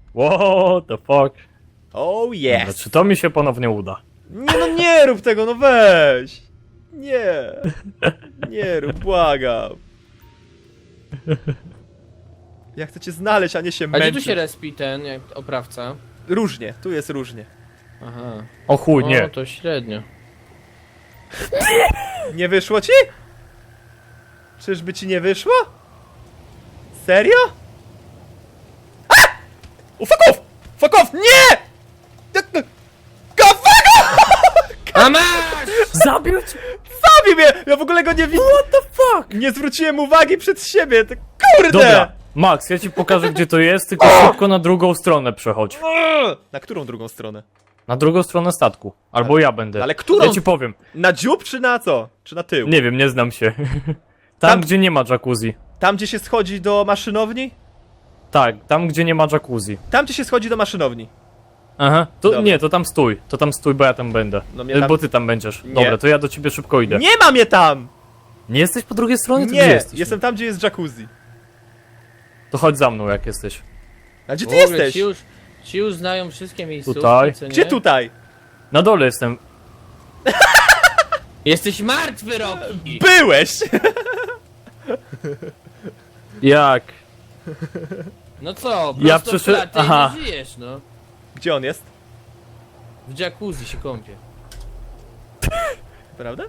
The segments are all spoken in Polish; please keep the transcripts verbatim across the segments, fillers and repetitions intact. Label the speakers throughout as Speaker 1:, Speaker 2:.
Speaker 1: What the fuck?
Speaker 2: Oh yes!
Speaker 1: Dobra, czy to mi się ponownie uda?
Speaker 2: Nie no, nie rób tego, no weź! Nie! Nie rób, błagam! Ja chcę cię znaleźć, a nie się
Speaker 3: A gdzie
Speaker 2: męczyć.
Speaker 3: tu się respi ten, jak oprawca?
Speaker 2: Różnie, tu jest różnie.
Speaker 3: Aha.
Speaker 1: O chuj,
Speaker 3: No
Speaker 1: nie.
Speaker 3: to średnio.
Speaker 2: Nie wyszło ci? Czyżby ci nie wyszło? Serio? A! O, fuck off! Fuck off! Nie! Jak to- Go fuck off!
Speaker 3: A masz!
Speaker 1: Zabił cię!
Speaker 2: Zabił mnie! Ja w ogóle go nie widzę! What the fuck? Nie zwróciłem uwagi przed siebie, to kurde!
Speaker 1: Dobra, Max, ja ci pokażę gdzie to jest, tylko szybko na drugą stronę przechodź.
Speaker 2: Na którą drugą stronę?
Speaker 1: Na drugą stronę statku. Albo ja będę.
Speaker 2: ale którą?
Speaker 1: Ja ci powiem.
Speaker 2: Na dziób czy na co? Czy na tył?
Speaker 1: Nie wiem, nie znam się. Tam,
Speaker 2: Tam-
Speaker 1: gdzie nie ma jacuzzi.
Speaker 2: Tam gdzie się schodzi do maszynowni?
Speaker 1: Tak, tam gdzie nie ma jacuzzi.
Speaker 2: Tam gdzie się schodzi do maszynowni.
Speaker 1: Aha, to
Speaker 2: Dobra.
Speaker 1: nie, to tam stój. To tam stój, bo ja tam będę.
Speaker 2: No mnie
Speaker 1: E,
Speaker 2: tam-
Speaker 1: Bo ty tam będziesz.
Speaker 2: Nie.
Speaker 1: Dobra, to ja do ciebie szybko idę. Nie,
Speaker 2: Nie ma mnie tam!
Speaker 1: jesteś po drugiej stronie? To
Speaker 2: Nie,
Speaker 1: gdzie jesteś?
Speaker 2: jestem tam gdzie jest jacuzzi.
Speaker 1: To chodź za mną jak jesteś.
Speaker 2: A gdzie
Speaker 3: W
Speaker 2: ty
Speaker 3: ogóle
Speaker 2: jesteś?
Speaker 3: Ci już, ci już znają wszystkie miejscówki,
Speaker 1: Tutaj.
Speaker 3: co nie?
Speaker 2: Gdzie tutaj?
Speaker 1: Na dole jestem.
Speaker 3: Jesteś martwy, Rocky!
Speaker 2: Byłeś!
Speaker 1: Jak?
Speaker 3: No co,
Speaker 1: Ja
Speaker 3: prosto w
Speaker 1: przyszedł-
Speaker 3: klatę
Speaker 1: Aha.
Speaker 3: i nie żyjesz, no.
Speaker 2: Gdzie on jest?
Speaker 3: W jacuzzi się kąpie.
Speaker 2: Prawda?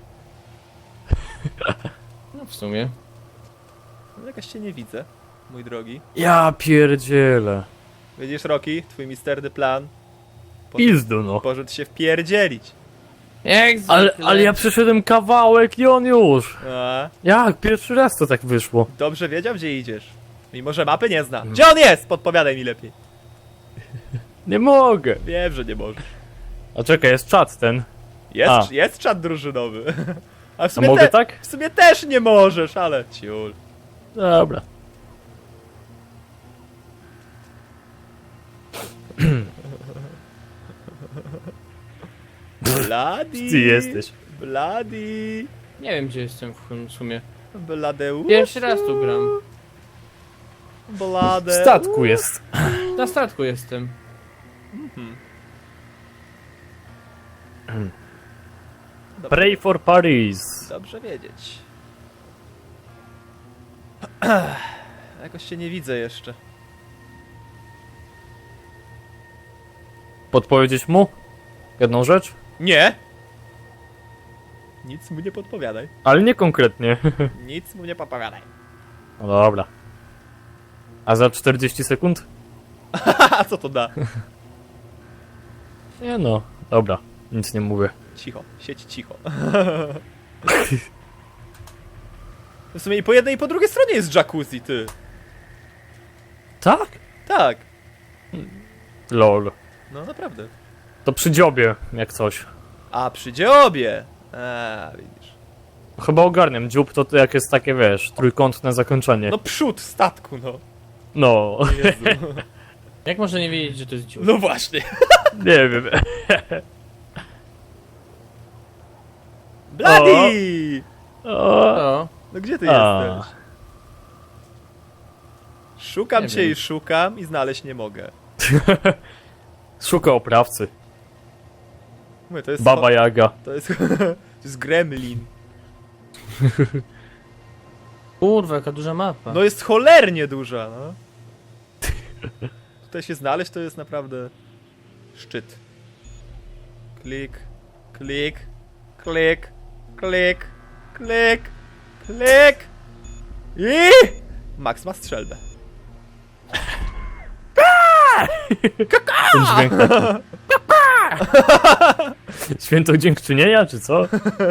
Speaker 3: No w sumie.
Speaker 2: No, jakaś cię nie widzę, mój drogi.
Speaker 1: Ja pierdzielę.
Speaker 2: Widzisz, Rocky, twój misterny plan?
Speaker 1: Pizdu no.
Speaker 2: Poszedł się wpierdzielić.
Speaker 3: Jak zwykle.
Speaker 1: Ale, ale ja przeszedłem kawałek i on już.
Speaker 2: A,
Speaker 1: Jak? Pierwszy raz to tak wyszło.
Speaker 2: dobrze wiedział, gdzie idziesz. Mimo, że mapy nie zna. Gdzie on jest? Podpowiadaj mi lepiej.
Speaker 1: Nie mogę.
Speaker 2: Wiem, że nie możesz.
Speaker 1: A czekaj, jest czat ten.
Speaker 2: Jest,
Speaker 1: A.
Speaker 2: jest czat drużynowy. A w
Speaker 1: A
Speaker 2: sumie,
Speaker 1: mogę
Speaker 2: te,
Speaker 1: tak?
Speaker 2: w sumie też nie możesz, ale ciul.
Speaker 1: Dobra.
Speaker 2: Bladi.
Speaker 1: Ty jesteś.
Speaker 2: Bladi.
Speaker 3: Nie wiem, gdzie jestem w sumie.
Speaker 2: Bladeusz.
Speaker 3: Pierwszy raz tu gram.
Speaker 1: W
Speaker 2: Blade.
Speaker 1: statku jest.
Speaker 3: Na statku jestem.
Speaker 2: Dobrze,
Speaker 1: Pray for Paris.
Speaker 2: dobrze wiedzieć. Jakoś się nie widzę jeszcze.
Speaker 1: Podpowiedzieć mu? Jedną rzecz?
Speaker 2: Nie! Nic mu nie podpowiadaj.
Speaker 1: Ale nie konkretnie.
Speaker 2: Nic mu nie podpowiadaj.
Speaker 1: No dobra. A za czterdzieści sekund?
Speaker 2: A co to da?
Speaker 1: Nie no, dobra. Nic nie mówię.
Speaker 2: Cicho, siedź cicho. W sumie i po jednej i po drugiej stronie jest jacuzzi, ty.
Speaker 1: Tak?
Speaker 2: Tak.
Speaker 1: Lol.
Speaker 2: No naprawdę.
Speaker 1: To przy dziobie, jak coś.
Speaker 2: A przy dziobie. A, widzisz.
Speaker 1: Chyba ogarniam. Dziób to jak jest takie, wiesz, trójkątne zakończenie.
Speaker 2: No przód statku, no.
Speaker 1: No,
Speaker 2: Jezu.
Speaker 3: Jak można nie wiedzieć, że to jest dziób?
Speaker 2: No właśnie.
Speaker 1: nie wiem.
Speaker 2: Bloody!
Speaker 1: O,
Speaker 3: To.
Speaker 2: No gdzie ty
Speaker 1: A.
Speaker 2: jesteś? Szukam
Speaker 3: Nie
Speaker 2: cię
Speaker 3: wiem.
Speaker 2: i szukam i znaleźć nie mogę.
Speaker 1: szuka oprawcy.
Speaker 2: Mówię, to jest
Speaker 1: Baba Jaga.
Speaker 2: To jest, to jest gremlin.
Speaker 3: Kurwa, jaka duża mapa.
Speaker 2: No jest cholernie duża, no. Tutaj się znaleźć to jest naprawdę szczyt. Klik, klik, klik, klik, klik, klik i Max ma strzelbę.
Speaker 1: Ten dźwięk taki. Święto dziękczynienia, czy co?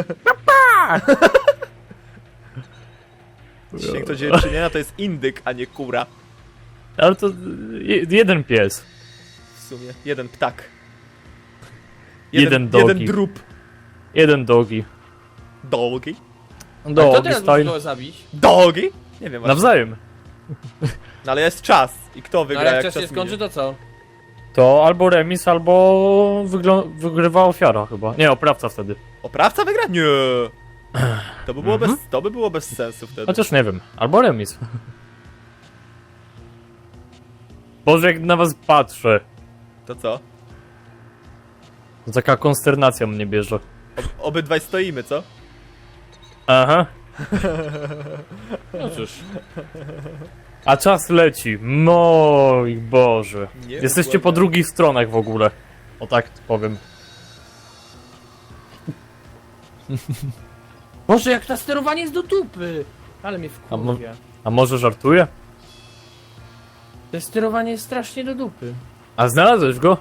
Speaker 2: Dzisiaj kto dziewczynienia to jest indyk, a nie kura.
Speaker 1: Ale to je, jeden pies.
Speaker 2: W sumie jeden ptak.
Speaker 1: Jeden
Speaker 2: jeden
Speaker 1: dogi.
Speaker 2: drób.
Speaker 1: Jeden dogi.
Speaker 2: Dogi?
Speaker 3: A kto
Speaker 1: Dogi
Speaker 3: teraz musi
Speaker 1: style.
Speaker 3: go zabić?
Speaker 2: Dogi? Nie wiem właśnie.
Speaker 1: Nawzajem.
Speaker 2: No ale jest czas. I kto
Speaker 3: No
Speaker 2: wygra
Speaker 3: ale
Speaker 2: jak
Speaker 3: jak czas
Speaker 2: czas
Speaker 3: się skończy,
Speaker 2: minie?
Speaker 3: to co?
Speaker 1: To albo remis, albo wygl- wygrywa ofiara chyba. Nie, oprawca wtedy.
Speaker 2: Oprawca wygra? Nie. To by było,
Speaker 1: Mhm.
Speaker 2: bez, to by było bez sensu wtedy.
Speaker 1: Chociaż nie wiem. Albo remis. Boże, jak na was patrzę.
Speaker 2: To co?
Speaker 1: To taka konsternacja mnie bierze.
Speaker 2: Ob obydwaj stoimy, co?
Speaker 1: Aha.
Speaker 3: No cóż.
Speaker 1: A czas leci. Mój Boże.
Speaker 2: Nie
Speaker 1: Jesteście po
Speaker 2: błagam.
Speaker 1: drugich stronach w ogóle. O tak powiem.
Speaker 3: Boże, jak to sterowanie jest do dupy! Ale mnie
Speaker 1: A, mo
Speaker 3: wkurwia.
Speaker 1: a może żartuję?
Speaker 3: To sterowanie jest strasznie do dupy.
Speaker 1: A znalazłeś go?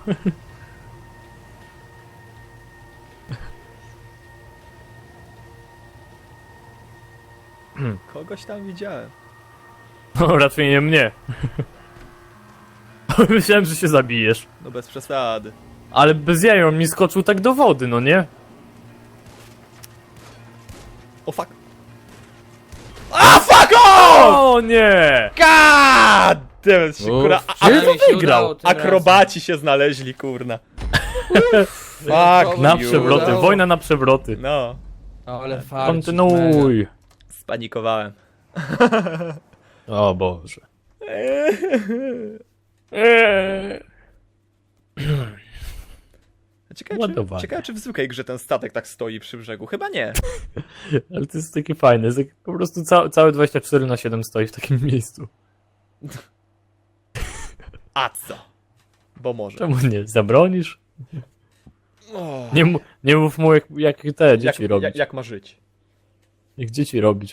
Speaker 2: Kogoś tam widziałem.
Speaker 1: No, raczej nie mnie. Myślałem, że się zabijesz.
Speaker 2: No bez przesady.
Speaker 1: Ale bez jaja, on mi skoczył tak do wody, no nie?
Speaker 2: O fuck. A fuck off!
Speaker 1: O nie!
Speaker 2: God damn it, się,
Speaker 3: Uff,
Speaker 2: kurna, a, a,
Speaker 3: przynajmniej
Speaker 1: kto
Speaker 3: się
Speaker 1: wygrał?
Speaker 3: udało tym
Speaker 2: akrobaci się znaleźli, kurna. Fuck
Speaker 1: Na
Speaker 2: you.
Speaker 1: przewroty,
Speaker 3: udało.
Speaker 1: wojna na przewroty.
Speaker 2: No,
Speaker 3: razem. Ale farcik,
Speaker 1: Kontynuuj.
Speaker 2: spanikowałem.
Speaker 1: O Boże. Eee.
Speaker 2: Ciekawe
Speaker 1: Ładowanie.
Speaker 2: czy, ciekawe, czy w zwykłej grze ten statek tak stoi przy brzegu. Chyba nie.
Speaker 1: Ale to jest takie fajne, jest tak, po prostu ca całe dwadzieścia cztery na siedem stoi w takim miejscu.
Speaker 2: A co? Bo może.
Speaker 1: Czemu nie? Zabronisz?
Speaker 2: O,
Speaker 1: Nie, mu- nie mów mu jak, jak te dzieci
Speaker 2: jak,
Speaker 1: robić.
Speaker 2: jak, jak ma żyć?
Speaker 1: Jak dzieci robić.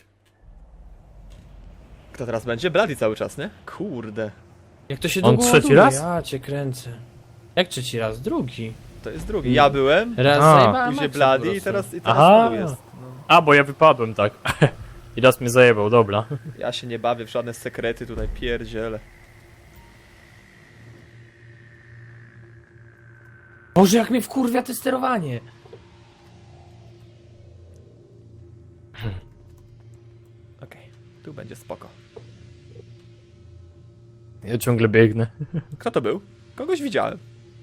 Speaker 2: Kto teraz będzie? Bloody cały czas, nie? Kurde.
Speaker 3: Jak to się
Speaker 1: On
Speaker 3: długo
Speaker 1: trzeci
Speaker 3: ładuje?
Speaker 1: raz?
Speaker 3: Ja cię kręcę. Jak trzeci raz? Drugi.
Speaker 2: To jest drugi. Ja byłem,
Speaker 3: Raz
Speaker 1: A.
Speaker 3: zajebałem
Speaker 2: później
Speaker 3: Maxa po
Speaker 2: Bloody i
Speaker 3: prostu.
Speaker 2: teraz, i teraz
Speaker 1: Aha.
Speaker 2: tu jest. No.
Speaker 1: A, bo ja wypadłem, tak. I raz mnie zajebał, dobra.
Speaker 2: Ja się nie bawię w żadne sekrety tutaj, pierdziele.
Speaker 3: Boże, jak mnie wkurwia to sterowanie.
Speaker 2: Okej, tu będzie spoko.
Speaker 1: Ja ciągle biegnę.
Speaker 2: Kto to był? Kogoś widziałem.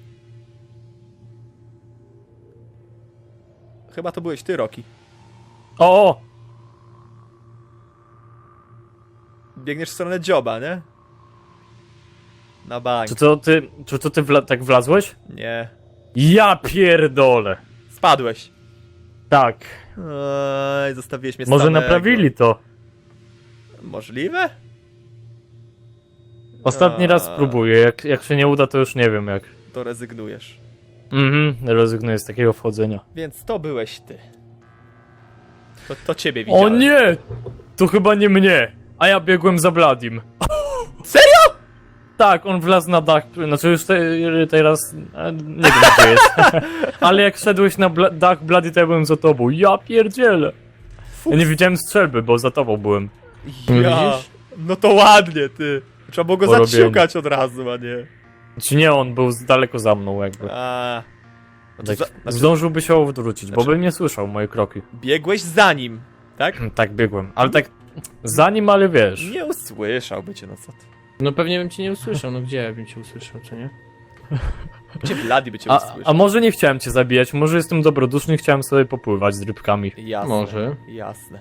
Speaker 2: Chyba to byłeś ty, Rocky.
Speaker 1: O! o!
Speaker 2: Biegniesz w stronę dzioba, nie? Na bank.
Speaker 1: Czy to ty, czy to ty wla tak wlazłeś?
Speaker 2: Nie.
Speaker 1: Ja pierdolę.
Speaker 2: Spadłeś.
Speaker 1: Tak.
Speaker 2: Oj, zostawiłeś mnie
Speaker 1: Może
Speaker 2: samego.
Speaker 1: naprawili to.
Speaker 2: Możliwe?
Speaker 1: Ostatni raz
Speaker 2: A,
Speaker 1: spróbuję, jak, jak się nie uda, to już nie wiem jak.
Speaker 2: To rezygnujesz.
Speaker 1: Mhm, rezygnuję z takiego wchodzenia.
Speaker 2: Więc to byłeś ty. To, to ciebie widziałem.
Speaker 1: O nie! To chyba nie mnie, a ja biegłem za Bladim.
Speaker 2: Serio?
Speaker 1: Tak, on wlazł na dach, znaczy już te, teraz e, nie wiem gdzie jest. Ale jak szedłeś na bla dach Blady, to ja byłem za tobą. Ja pierdzielę. Ja nie widziałem strzelby, bo za tobą byłem.
Speaker 2: Ja.
Speaker 3: Widzisz?
Speaker 2: No to ładnie, ty. Trzeba było go
Speaker 1: Porobienie.
Speaker 2: zaciukać od razu, a nie.
Speaker 1: Czy nie, on był z daleko za mną jakby.
Speaker 2: A. No to
Speaker 1: Tak,
Speaker 2: za, znaczy,
Speaker 1: zdążyłby się odwrócić, bo
Speaker 2: Znaczy-
Speaker 1: bym nie słyszał moje kroki.
Speaker 2: biegłeś za nim, tak?
Speaker 1: Tak biegłem, ale tak za nim, ale wiesz.
Speaker 2: Nie usłyszałby cię, no co ty.
Speaker 3: No pewnie bym cię nie usłyszał, no gdzie ja bym cię usłyszał, co nie?
Speaker 2: Gdzie Bloody by cię
Speaker 1: A,
Speaker 2: usłyszał?
Speaker 1: a może nie chciałem cię zabijać, może jestem dobroduszny i chciałem sobie popływać z rybkami.
Speaker 2: Jasne.
Speaker 3: Może.
Speaker 2: Jasne.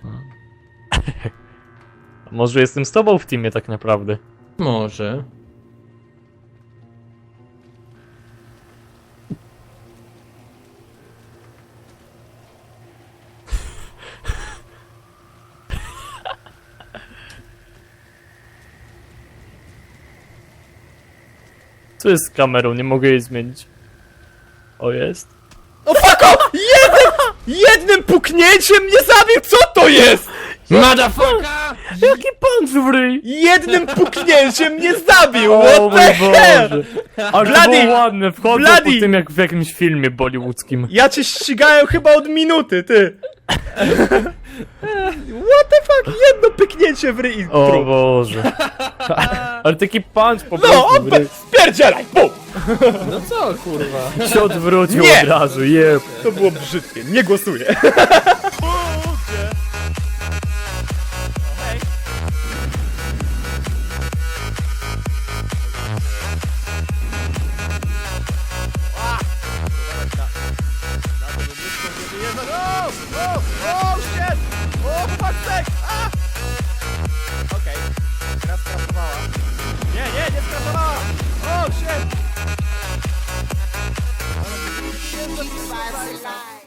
Speaker 1: Może jestem z tobą w teamie tak naprawdę.
Speaker 3: Może.
Speaker 1: Co jest z kamerą? Nie mogę jej zmienić. O, jest.
Speaker 2: No fuck off! Jednym, jednym puknięciem mnie zabił! Co to jest?
Speaker 3: Motherfucker!
Speaker 1: Jaki punch w ryj!
Speaker 2: Jednym puknięciem mnie zabił!
Speaker 1: O
Speaker 2: What
Speaker 1: mój
Speaker 2: the hell?
Speaker 1: Boże! Ale to
Speaker 2: Bloody!
Speaker 1: było ładne, wchodzę
Speaker 2: Bloody!
Speaker 1: po tym jak w jakimś filmie bollywoodzkim.
Speaker 2: Ja cię ścigałem chyba od minuty, ty! What the fuck? Jedno pyknięcie w ryj i
Speaker 1: O
Speaker 2: trup.
Speaker 1: Boże. Ale taki punch po
Speaker 2: No,
Speaker 1: prostu w ryj.
Speaker 2: spierdzielaj! Bum!
Speaker 3: No co, kurwa?
Speaker 1: Się odwrócił
Speaker 2: Nie!
Speaker 1: od razu, jeb.
Speaker 2: To było brzydkie, nie głosuję. Okej, teraz skraszowała. Nie, nie, nie skraszowała!
Speaker 4: keep the vibes alive.